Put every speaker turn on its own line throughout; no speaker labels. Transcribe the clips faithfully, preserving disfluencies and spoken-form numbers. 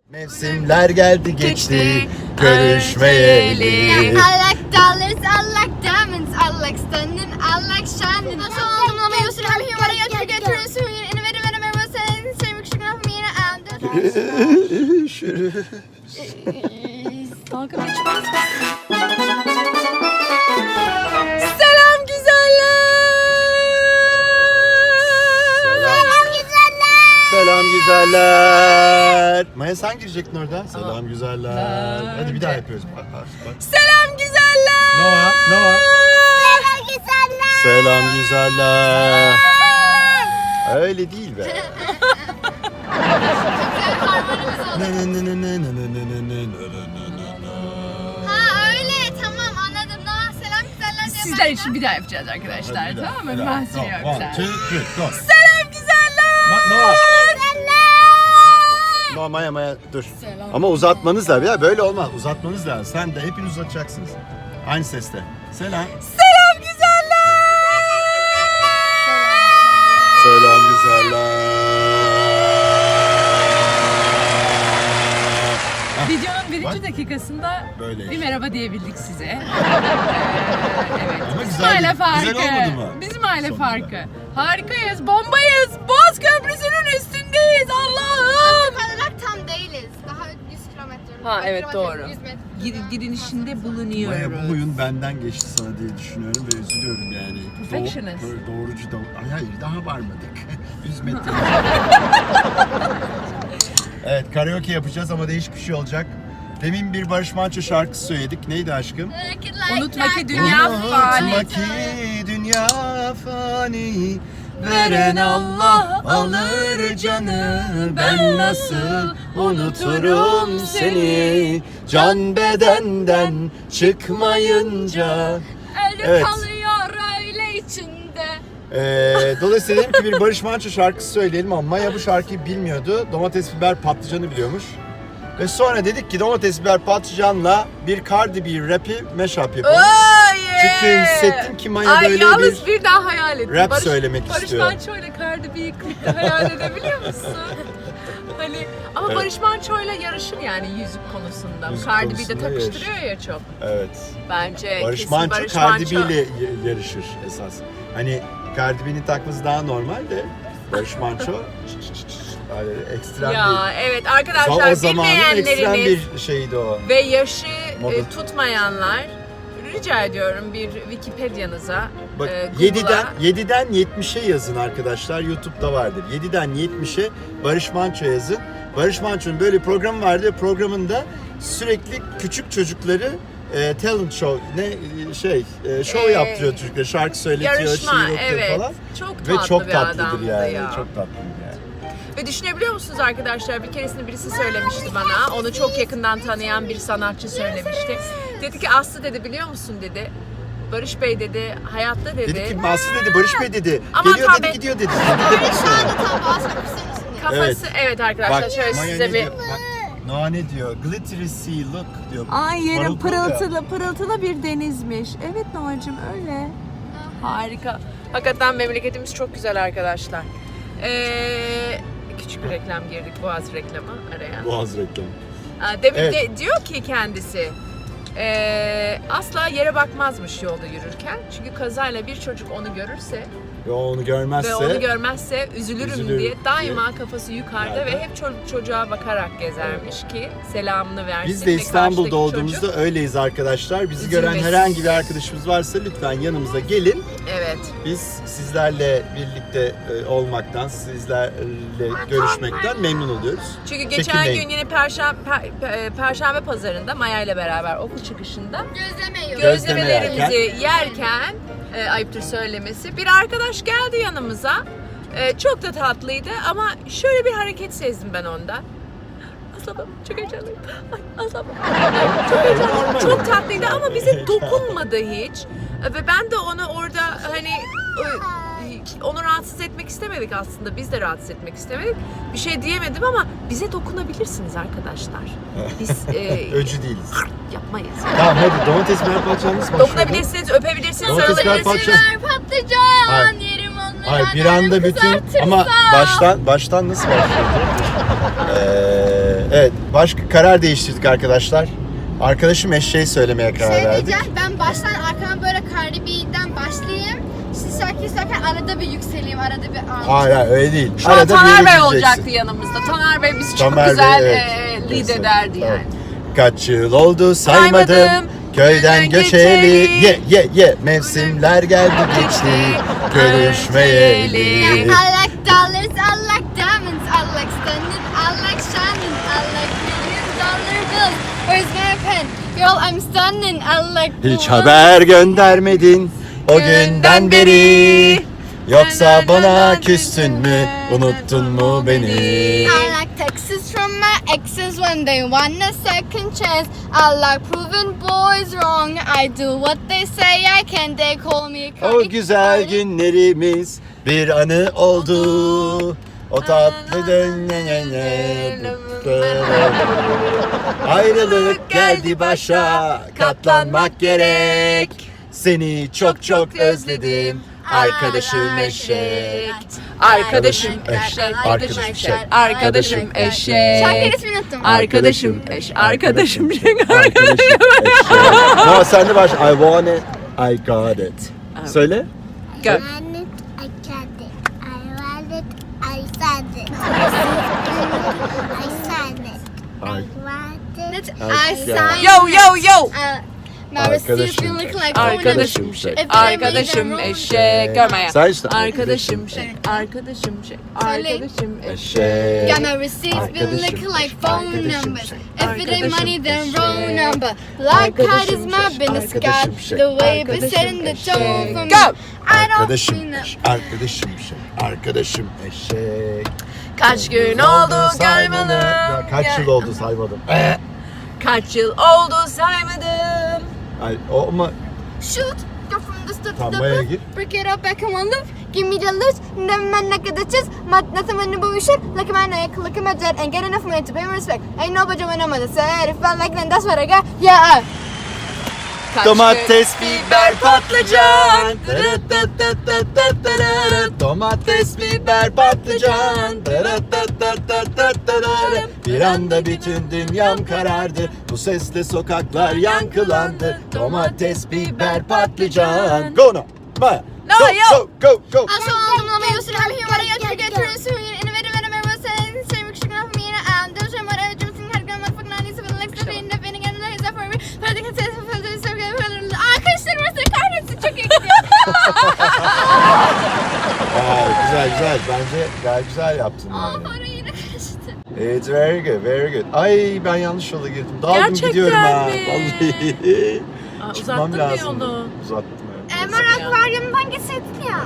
Mevsimler geldi geçti, görüşmeyeli.
I like dollars, I like diamonds, I like stunning, I like shining. Nasıl oldum ama Yusuf hem humara yatır götürürsün. Yine verim verim verim senin sevmek şükür lafımı yine aldım.
Şürü.
Dalga geçmez. Selam güzeller. Selam güzeller.
Selam güzeller. Maya sen girecektin orada. Selam güzeller. Hadi bir daha yapıyoruz. Bak, bak, bak.
Selam güzeller.
Noah, Noah.
Selam güzeller.
Selam güzeller. Öyle değil be. Ne ne ne ne ne ne ne ne ne ne.
Ha öyle tamam anladım. Noah selam güzeller diye
Sizler için bir daha yapacağız arkadaşlar,
Hadi bir daha,
tamam mı?
bir daha.
Ben söylüyorum
One,
güzel.
two, three, go.
Selam güzeller.
Ma- Noah. Noah, Maya, Maya dur.
Selam.
Ama uzatmanız lazım. Ya böyle olmaz. Uzatmanız lazım. Sen de hepiniz uzatacaksınız. Aynı seste. Selam.
Selam güzeller.
Selam güzeller.
Videonun birinci
Bak.
dakikasında
Böyle.
bir merhaba diyebildik size. Ee, evet.
Ama
Bizim
güzel,
aile farkı.
güzel olmadı mı?
Bizim aile
Sonunda.
farkı. Harikayız, bombayız. Boğaz Köprüsü'nün üstündeyiz. Allah'ım.
olarak tam değiliz. Daha yüz kilometre.
Ha,
yüz
evet,
kilometre,
doğru.
yüz metre.
Gir- Girinişinde
Maya
bulunuyoruz.
bu oyun benden geçti sana diye düşünüyorum ve üzülüyorum yani.
Perfectionist.
Do- doğrucu da... Ay hayır daha varmadık. yüz metre. Evet karaoke yapacağız ama değişik bir şey olacak. Demin bir Barış Manço şarkısı söyledik. Neydi aşkım?
Unutma ki dünya fani.
Unutma ki dünya fani. Veren Allah alır canı. Ben nasıl unuturum seni. Can bedenden çıkmayınca.
Ölü
Evet.
kalıyor öyle içinde.
Ee, dolayısıyla dedim ki bir Barış Manço şarkısı söyleyelim ama Maya bu şarkıyı bilmiyordu. Domates, biber, patlıcanı biliyormuş. Ve sonra dedik ki domates, biber, patlıcanla bir Cardi B rap'i mashup yapalım.
Oh, yeah.
Çünkü hissettim ki Maya
Ay,
böyle
yalnız
bir...
bir daha hayal ettim.
rap söylemek
Barış
istiyor.
Manço ile Cardi B'yi klipte hayal edebiliyor musun? Hani ama
Evet.
Barış Manço ile yarışır yani yüzük konusunda.
Müzik
Cardi B de
konusunda
takıştırıyor ya çok.
Evet.
Bence
Barış
kesin
Manço
Barış
Cardi B
Manço.
ile y- yarışır esas. Hani Cardi B'nin takması daha normal de Barış Manço böyle ekstrem
Ya
bir...
evet
O
arkadaşlar
zamanın ekstrem
bilmeyenleriniz
bir şeydi o.
ve yaşı
Moda.
e, tutmayanlar rica ediyorum bir Wikipedia'nıza
Bak
e, Google'a-
yediden yediden yetmişe yazın arkadaşlar. YouTube'da vardır. yediden yetmişe Barış Manço yazın. Barış Manço'nun böyle bir programı vardı. Programında sürekli küçük çocukları e, talent show ne e, şey e, show
Ee,
yaptırıyor çocuklara. Şarkı söyletiyor,
yarışma
şiir okuyor
evet.
falan.
Çok tatlı
Ve çok
bir
tatlıdır
adamdı
yani.
ya.
Çok tatlıdır yani.
Ve düşünebiliyor musunuz arkadaşlar, bir keresinde birisi söylemişti bana, onu çok yakından tanıyan bir sanatçı söylemişti. Dedi ki Aslı dedi biliyor musun dedi, Barış Bey dedi hayatta dedi,
Dedi ki Mahsun dedi, Barış Bey dedi.
Aman
Geliyor dedi,
tabii.
gidiyor dedi.
Böyle şu anda tam boğaz köprüsünün üstünde.
kafası evet, arkadaşlar
Bak
şöyle
Maya
size
ne
bir...
diyor? Bak Noah ne diyor? Glittery sea look diyor.
Ay yerim
Parıltı ya.
pırıltılı pırıltılı bir denizmiş. Evet Noacığım öyle. Harika. Hakikaten memleketimiz çok güzel arkadaşlar. Ee, küçük bir reklam girdik, Boğaz reklamı araya.
Boğaz reklamı.
Aa, Demin
Evet.
de diyor ki kendisi ee, asla yere bakmazmış yolda yürürken. Çünkü kazayla bir çocuk onu görürse
Ve onu görmezse
ve onu görmezse üzülürüm,
üzülürüm
diye daima
diye.
kafası yukarıda
Nerede?
ve hep çocuk çocuğa bakarak gezermiş ki selamını versin.
biz de
ve
İstanbul'da
karşıdaki
olduğumuzda
çocuk-
öyleyiz arkadaşlar. Bizi gören
Üzülmesin.
herhangi bir arkadaşımız varsa lütfen yanımıza gelin.
Evet.
Biz sizlerle birlikte e, olmaktan, sizlerle görüşmekten memnun oluyoruz.
Çünkü geçen
Çekinmeyin.
gün yine Perşembe, per, Perşembe pazarında Maya ile beraber okul çıkışında
Gözleme yiyoruz.
Gözleme
gözlemelerimizi yerken, e, ayıptır söylemesi, bir arkadaş geldi yanımıza. E, çok da tatlıydı ama şöyle bir hareket sezdim ben onda. Aslanım çok heyecanlıyım. Ay aslanım. Çok heyecanlıyım. Çok tatlıydı ama bize dokunmadı hiç. E, Ve ben de onu orada hani e, onu rahatsız etmek istemedik aslında. Biz de rahatsız etmek istemedik. Bir şey diyemedim ama bize dokunabilirsiniz arkadaşlar. Biz e,
Öcü değiliz.
yapmayız.
Tamam hadi domates, biber, patlıcan nasıl başlıyor?
Dokunabilirsiniz, öpebilirsiniz,
Domates, biber,
sarılabilirsiniz.
patlıcan.
Patlıcan
Hayır.
yerim onları.
Hayır bir anda bütün ama baştan baştan nasıl başladı? Ee, evet başka karar değiştirdik arkadaşlar. Arkadaşım eşeği söylemeye karar
Şey
verdik.
diyeceğim, ben baştan arkama böyle Cardi B'den başlayayım. Siz şarkıyı söylerken arada bir yükseleyim, arada bir alçalayım.
Hayır hayır öyle değil.
Şu an
Arada bir
Taner
yere
Bey
gideceksin.
olacaktı yanımızda. Taner Bey bizi çok
Tamer
güzel
Bey,
e,
evet.
lead
Tamam.
ederdi yani.
Kaç yıl oldu saymadım,
Saymadım,
köyden göçeli, ye ye ye mevsimler geldi geçti, görüşmeyeli.
I like dollars, I like diamonds, I like stunning, I like shining, I like million dollar bills. Where's my pen? Girl, I'm stunning, I like the
Hiç
ones-
haber göndermedin o günden beri, yoksa bana küstün mü, unuttun mu beni?
I like texts from my exes when they want a second chance. I like proving boys wrong. I do what they say I can. They call me
O
Cardi
güzel
Cardi.
günlerimiz bir anı oldu. O tatlı dön ayrılık geldi başa, katlanmak gerek. Seni çok çok özledim, arkadaşım eşek.
Arkadaşım
eşek,
eşek.
arkadaşım eşek,
Arkadaşım eşek.
Şarkının ismini unuttum.
Arkadaşım eş. Arkadaşım eşek.
Arkadaşım eşek. No, sen de baş. I want it, I got it. Söyle.
Go.
I want it, I got it. I want it, I found it. I found it. I want it.
I signed
Yo yo yo.
Uh, my receipts been looking like
Arkadaşım
If
şey.
they
Arkadaşım
made them
eşek. Görme ya.
Sen işte.
Arkadaşım şey. Arkadaşım şey. Arkadaşım eşek.
Eşek.
Got my receipts been
Arkadaşım,
looking like phone
arkadaşım
numbers.
şey.
If it ain't
Arkadaşım
money, then
şey.
wrong number. Like God is my business,
Arkadaşım
God.
şey.
The way it be
Arkadaşım
setting the
eşek.
tone for me.
Go.
I don't
Arkadaşım
see no-
eşek. Arkadaşım eşek. Arkadaşım eşek.
Kaç gün oldu
saymadım.
görmedim.
Ya Kaç yıl oldu saymadım. Eh.
Kaç yıl oldu saymadım.
Ay, o ama
Shoot, go from the start to
Tamam,
the
Maya
roof.
gir.
Break it up back in one loop. Give me the loot. Never mind like the chest. Nothing when you shit. Look at my neck, look at my jet, and get enough money to pay me respect. Ain't no budget when I'm on the set. If I like then that's what I got. Yeah.
Kaç
domates,
gün-
biber, patlıcan. Domates, biber, patlıcan. Bir anda bütün dünyam karardı. Bu sesle sokaklar yankılandı. Domates, biber, patlıcan. Go now. Maya.
No,
Go,
yo.
go, go, go.
I saw them on my used to have here what I got to get through soon. Innovative and I'm ever saying. Same shit off me and I'm doing shit what I was doing. Had got my fucking nineties of like the in the beginning and the is for me. But I think it's so fun to so good. Arkadaşlar burası kahretsin çok iyi gidiyor.
Aa, güzel güzel. Bence gayet güzel yaptın.
Aa
yani.
para yine kaçtı.
It's very good, very good. Ay ben yanlış yola girdim. Daldım
Gerçekten
gidiyorum ha.
mi?
Vallahi.
Aa,
Çıkmam
uzattın mı
lazım.
yolu?
Uzattım evet.
Emar akvaryumdan gitseydin ya.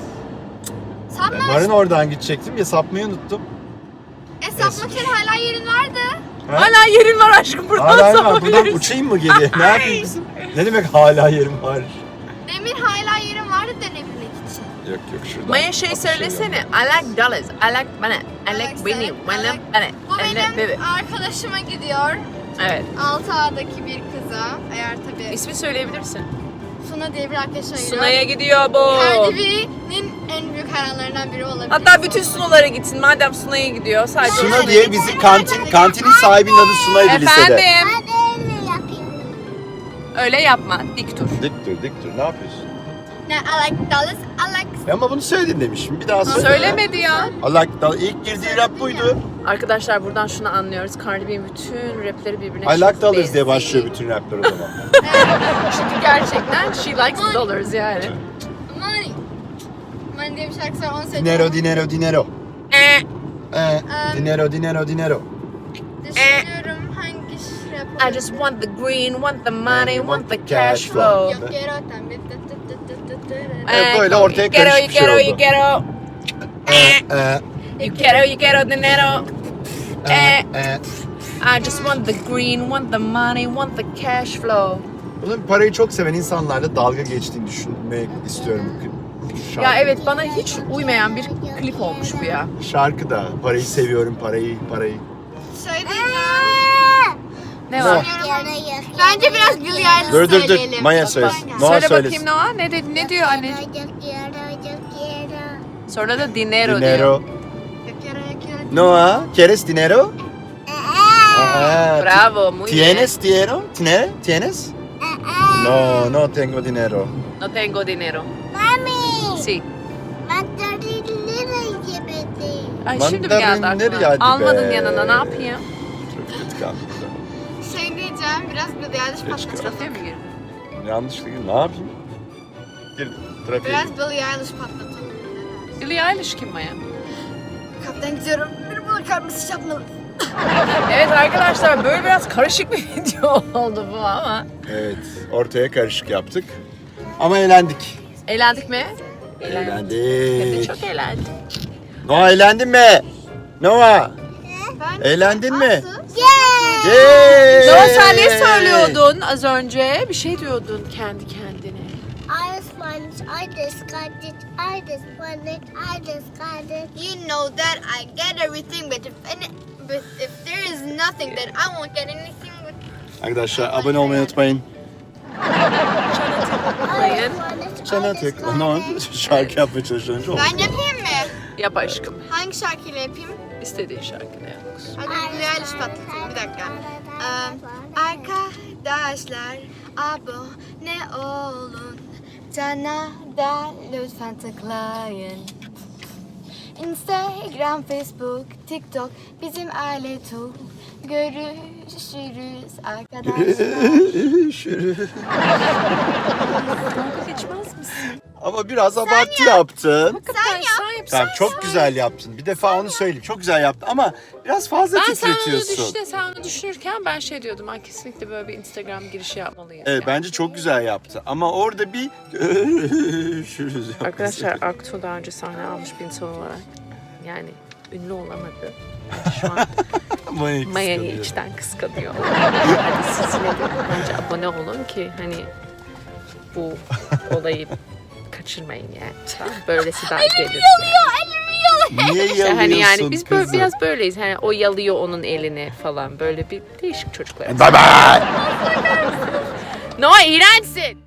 Sapma.
Marın oradan gidecektim ya sapmayı unuttum.
E sapmak için hala yerin vardı.
Ha?
Hala yerin var aşkım buradan
Hala yerim var. Buradan
sapabiliriz.
uçayım mı geriye? Ne yapayım kızım? Ne demek hala yerim var?
Demin hala yerin vardı dönebilmek için.
Yok yok şuradan.
Maya şey
Bak,
söylesene. I like dollars. I like money. I like winning. When I'm money.
Bu
I like baby.
benim arkadaşıma gidiyor.
Evet.
altı A'daki bir kıza. Eğer tabii
İsmi söyleyebilirsin.
Suna diye bir arkadaşıma gidiyor.
Suna'ya gidiyor bu.
Cardi B'nin en büyük hayranlarından biri olabilir.
Hatta bütün Suna'lara gitsin. Madem Suna'ya gidiyor. Sadece
Suna
Suna'ya
diye
gitsin.
bizi kantin, kantinin sahibinin adı Suna'ydı lisede.
Efendim.
Ben öyle yapıyorum.
Öyle yapma. Dik dur.
Dik dur dik dur ne yapıyorsun?
Ne, I like dollars, I like...
E ama bunu söyledin demişim. Bir daha söyle.
Söylemedi ya.
Allah Allah ilk girdiği rap buydu.
Arkadaşlar buradan şunu anlıyoruz. Cardi B'nin bütün rapleri birbirine
I
çok
like dollars diye
benziyor.
başlıyor bütün rapler o zaman.
Çünkü gerçekten she likes dollars yani.
Money. Money diye bir şarkısı var, onu söyleyeceğim.
Dinero dinero dinero.
Eh,
Eh, dinero dinero dinero.
Düşünüyorum hangi rap
I just want the green, want the money, want the cash flow.
Yok quiero también. tı tı tı tı tı tı.
Evet, böyle ortaya
you quiero,
karışık
you
bir şey
quiero,
oldu.
you quiero.
Eh, eh,
You quiero, you quiero dinero.
eh,
Eh,
eh.
I just want the green, want the money, want the cash flow.
Bunun parayı çok seven insanlarla dalga geçtiğini düşünmek istiyorum. Şarkı,
Ya evet bana hiç uymayan bir klip olmuş bu ya.
Şarkı da parayı seviyorum parayı parayı.
Şey diyeceğim.
Ne var?
Bence biraz Billie Eilish
Dur dur dur
söyleyelim.
Maya
Bak,
söylesin.
bak.
Noah
Söyle
söylesin.
bakayım Noah ne dedi ne diyor anne?
Yo quiero, yo quiero.
Sonra da dinero,
Dinero.
diyor.
Yo quiero, yo quiero.
Noah, ¿quieres dinero? Ah,
Bravo, muy
¿Tienes dinero? ¿Tienes? ¿Tienes? No, no tengo dinero.
bien. No tengo dinero.
Mami.
Sí.
Mandarinleri yemedi.
Ay şimdi mi geldi
Mandarinleri
aklına?
geldi be.
Almadın yanına ne yapayım?
Çok kötü kaldı.
Şey diyeceğim, biraz Billie Eilish
Geç
patlatalım.
Trafiğe mi girdin?
Yanlışlıkla ne yapayım? Girdim. Trafiğe
Biraz
girdim.
Billie Eilish patlatalım.
Billie Eilish kim Maya?
Kaptan gidiyorum. Bir bakar mısın yapmalı?
Evet arkadaşlar böyle biraz karışık bir video oldu bu ama.
Evet, ortaya karışık yaptık. Ama eğlendik.
Eğlendik mi? Hem de
Eğlendik.
çok eğlendik.
Noah eğlendin mi? Noah,
Ben
eğlendin mi?
Aslı,
Yay!
Noah sen ne söylüyordun az önce? Bir şey diyordun kendi kendine.
I just wanted, I just got it, I just wanted, I just got it.
You know that I get everything, but if any, but if there is nothing, then I won't get anything. With...
Arkadaşlar abone olmayı unutmayın.
Tıklayın.
Çana tek. Noah şarkı yapmaya çalışıyorum. Çok.
Ben yapayım mı?
Yap aşkım.
Hangi şarkıyla yapayım?
İstediğin şarkını yap.
Hadi Billie Eilish patlatayım. Bir dakika. Ee, arkadaşlar abone olun. Cana da lütfen tıklayın. Instagram, Facebook, TikTok bizim aile tu. Görüşürüz arkadaşlar.
Şürü.
Dalga geçmez misin?
Ama biraz abartı yaptın.
Sen yap. Sen yap.
Tamam çok güzel yaptın. Bir defa onu söyleyeyim. Çok güzel yaptın ama biraz fazla
Ben sen onu
titretiyorsun.
düşün, sen onu düşünürken ben şey diyordum. Ben kesinlikle böyle bir Instagram girişi yapmalıyım.
Evet
yani.
bence çok güzel yaptı. Ama orada bir görüşürüz yaptı.
Arkadaşlar Aktu daha önce sahne almış bir insan olarak yani ünlü olamadı. Şu an
Maya'yı
Maya'yı
kıskanıyor.
içten kıskanıyor. Hadi siz yine de bence abone olun ki hani bu olayı kaçırmayın yani. Tamam, böylesi daha gelir.
Niye
İşte
yalıyorsun
hani yani biz böyle
kızım?
biraz böyleyiz. Hani o yalıyor onun elini falan. Böyle bir değişik çocuklar.
Bye bye.
Noah iğrençsin.